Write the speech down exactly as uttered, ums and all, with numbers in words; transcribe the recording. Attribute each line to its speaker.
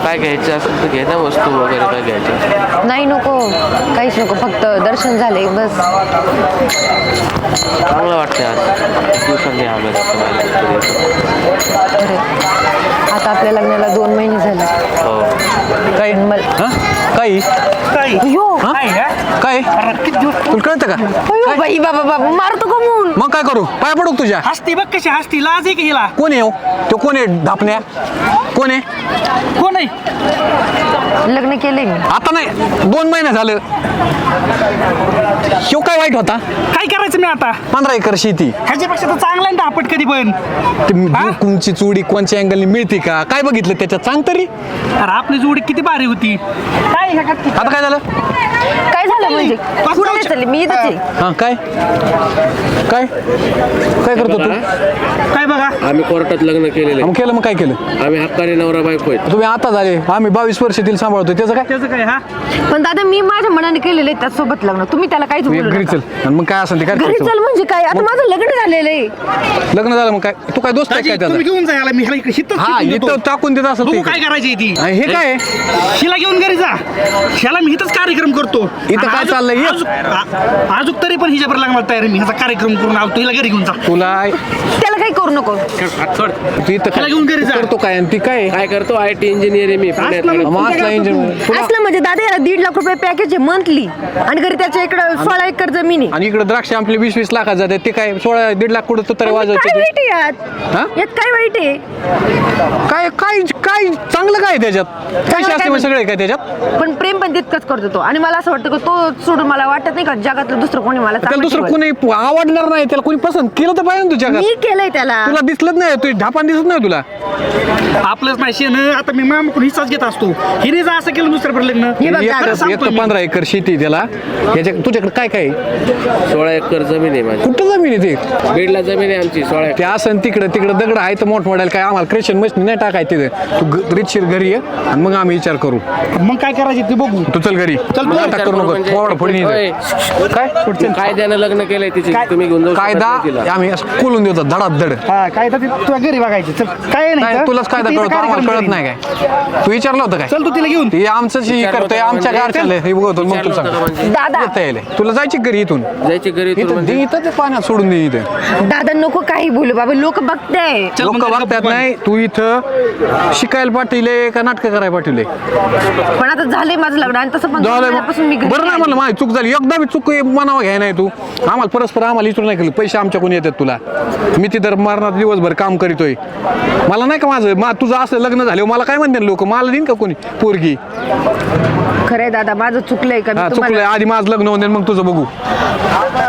Speaker 1: काय घ्यायचं असेल तर घे ना वस्तू वगैरे काय घ्यायचं.
Speaker 2: नाही नको, काहीच नको, फक्त दर्शन झाले बस.
Speaker 1: चांगलं वाटतं आज दिवसांनी आलं
Speaker 2: अरे आता आपल्या लग्नाला दोन महिने झाले.
Speaker 1: हो.
Speaker 3: काय
Speaker 2: मला
Speaker 3: काही
Speaker 2: अयो
Speaker 3: काय तुला कळतं का?
Speaker 2: अयो बाई बाबा बाबा मारतो का म्हणून.
Speaker 3: मग काय करू? पाय पडू का तुझ्या?
Speaker 4: हसती बघ कशी हसती, लाज आहे की हिला.
Speaker 3: कोण आहे हो? तो कोण आहे धापण्या? कोण आहे?
Speaker 4: कोण आहे?
Speaker 2: लग्न केले मी.
Speaker 3: आता नाही, दोन महिने झालं. शिव काय वाईट होता?
Speaker 4: काय करायचं मी आता?
Speaker 3: पंधरा एकर शेती.
Speaker 4: ह्याच्यापेक्षा तर चांगला आहे ना आपट कधी पण.
Speaker 3: ती कुंची चुडी कोणच्या अँगलने मिळते का? काय बघितलं त्याच्यात सांग तरी.
Speaker 4: अरे आपली जोडी किती भारी होती. काय ह्या का-
Speaker 3: आता काय झालं?
Speaker 2: काय झालं म्हणजे? कुठे नाही चालली मी, इथंच आहे.
Speaker 3: हा काय काय काय करतो तू?
Speaker 4: काय बघा,
Speaker 1: आम्ही कोर्टात लग्न केलेलं
Speaker 3: मग केलं मग काय केलं?
Speaker 1: आहे. आम्ही हक्काने नवरा बायको आहेत.
Speaker 3: तुम्ही आता झाले, आम्ही बावीस वर्ष तिला सांभाळतो. त्याचं काय?
Speaker 4: त्याचं काय? हा
Speaker 2: पण दादा मी माझ्या मनाने केलेलं आहे त्यासोबत लग्न. तुम्ही त्याला काहीच
Speaker 3: तू एक
Speaker 2: बोलू
Speaker 3: घरी
Speaker 2: नका.
Speaker 3: चल आणि मग काय असेल ते काय
Speaker 2: घरी
Speaker 3: करायचं?
Speaker 2: चल म्हणजे काय? आता माझं लग्न झालेलं आहे.
Speaker 3: लग्न झालं मग काय? तू काय दोस्त आहे
Speaker 4: दाजी,
Speaker 3: काय त्याचा?
Speaker 4: तुम्ही घेऊन जा ह्याला, मी ह्याला इकडे हितच
Speaker 3: हा
Speaker 4: शिकून देतो.
Speaker 3: इथं टाकून देत असेल
Speaker 4: बघू
Speaker 3: ते.
Speaker 4: काय करायची ती.
Speaker 3: आणि हे काय आहे?
Speaker 4: हिला घेऊन घरी जा. ह्याला मी इथंच कार्यक्रम करतो.
Speaker 3: इथं काय
Speaker 4: आजूक-
Speaker 3: चाललंय हे?
Speaker 4: आजूक- आ- आजूक तरी पण हिच्यावर लागणार तयार आहे मी. ह्याचा कार्यक्रम करून आलो, हिला घरी घेऊन जा.
Speaker 3: तुला
Speaker 2: त्याला काही करू नको.
Speaker 1: हात सोड.
Speaker 3: तू इथं
Speaker 4: त्याला घेऊन घरी जा.
Speaker 3: करतो काय आणि ती काय?
Speaker 1: काय करतो? आय टी इंजिनियर आहे मी पुण्यात.
Speaker 4: असलं मग.
Speaker 3: मासला इंजिन तुला
Speaker 2: असलं म्हणजे दादा याला दीड लाख रुपये पॅकेज आहे मंथली आणि घरी त्याच्या इकडं सोळा एकर जमीन आहे.
Speaker 3: आणि इकडे द्राक्ष आपले वीस वीस लाखात जाते. ते काय सोळा दीड लाख कुठं तरी
Speaker 2: पण काय
Speaker 3: वाजवते
Speaker 2: वाईट आहे यात?
Speaker 3: हा?
Speaker 2: यात काय वाईट आहे?
Speaker 3: काय काय काय चांगलं काय आहे त्याच्यात? पैसे
Speaker 2: काय
Speaker 3: असते मग सगळे काय त्याच्यात?
Speaker 2: पण प्रेम पण तितकंच करतो तो. आणि मला असं वाटतं की तो सोडून मला वाटत नाही का जगातलं दुसरं कोणी मला
Speaker 3: त्याला
Speaker 2: चांगलं
Speaker 3: दुसरं
Speaker 2: ठेवेल.
Speaker 3: कोणी आवडणार नाही. त्याला कोणी पसंत केलं तर पाहिजे ना तुझ्या
Speaker 2: मी केलंय त्याला.
Speaker 3: तुला दिसलंच नाही. तू ढापान दिसत नाही तुला.
Speaker 4: आपलंच नाही शेण. आता मी मामाकडून हिस्साच घेत असतो. हिने जर असं केलं दुसऱ्या लग्न,
Speaker 2: हे बघ
Speaker 3: एक
Speaker 2: दादा,
Speaker 3: तर-
Speaker 4: सांगतो
Speaker 3: एक तर
Speaker 4: मी.
Speaker 3: पंधरा एकर शेती आहे त्याला. याच्या तुझ्याकडे काय काय आहे?
Speaker 1: सोळा एकर जमीन आहे माझी.
Speaker 3: कुठं जमीन आहे ते?
Speaker 1: बीडला जमीन आहे आमची सोळा एकर.
Speaker 3: ते असं तिकडं तिकडं दगड आहे तर मोठमोठ्याला काय आम्हाला क्रेशन मशीन नाही टाकायचं तिथे. तू ग- रीतशीर घरी ये आणि मग आम्ही विचार करू.
Speaker 4: मग काय करायचे ते बघू.
Speaker 3: तू चल घरी.
Speaker 4: चल,
Speaker 3: मला
Speaker 4: विचार
Speaker 3: अटक करू नको.
Speaker 1: म्हणजे-
Speaker 3: फोड फोडणी
Speaker 1: होय.
Speaker 3: काय
Speaker 1: कायद्यानं लग्न केलंय तिची.
Speaker 4: काय-
Speaker 1: तुम्ही घेऊन जाऊ शकत
Speaker 3: कायदा
Speaker 1: नाही तिला.
Speaker 3: आम्ही असं कोलून देतो धडात धड.
Speaker 4: हा काय तर ते तुला घरी बघायचं. चल काय नाही
Speaker 3: काय
Speaker 4: तर.
Speaker 3: तुलाच कायदा
Speaker 4: तिथं
Speaker 3: कळतो आम्हाला
Speaker 4: कार्यक्रम
Speaker 3: कळत
Speaker 4: करीन.
Speaker 3: नाही काय? तू विचारलं होतं काय?
Speaker 4: चल तू तिला घेऊन.
Speaker 3: ते आमचं हे
Speaker 1: विचारलं
Speaker 3: करतोय
Speaker 1: होतं
Speaker 3: आमच्या
Speaker 1: म्हणजे-
Speaker 3: गारच्याला हे बघतो मग
Speaker 1: विचारलं
Speaker 3: तुला
Speaker 1: होतं का
Speaker 3: सांग.
Speaker 1: म्हणजे?
Speaker 2: दादा
Speaker 3: येता येईल. तुला जायची घरी इथून.
Speaker 1: जायची घरी इथून
Speaker 3: इथं
Speaker 1: म्हणजे?
Speaker 3: दे इथं ते पाण्यात सोडून दे इथे.
Speaker 2: दादा नको काही बोलू बाबा, लोक बघताय.
Speaker 4: चल
Speaker 3: लोक
Speaker 4: मग घरी
Speaker 3: बघतात
Speaker 4: गप्प
Speaker 3: नाही. तू इथं शिकायला पाठवले का नाटकं करायला पाठवले?
Speaker 2: पण आता झालंय माझं लग्न आणि तसं पण दोन
Speaker 3: झालं
Speaker 2: महिन्यापासून मी घरी
Speaker 3: बरं नाही
Speaker 2: नाही
Speaker 3: म्हणलं माझी चूक झाली. एकदा मी चूक मनावा घ्याय नाही तू. आम्हाला परस्पर आम्हाला इथून नाही केलं. पैसे आमच्याकडून येतात तुला. मी तिथं मरणात दिवसभर काम करीतोय. मला नाही का माझं मा तुझं असं लग्न झालं मला काय म्हणते लोक? मला देईन का कोणी पोरगी?
Speaker 2: आली. खरंय दादा माझं चुकलंय का मी
Speaker 3: हा
Speaker 2: तुम्हाला
Speaker 3: चुकलंय. आधी माझं लग्न होऊन दे मग तुझं बघू.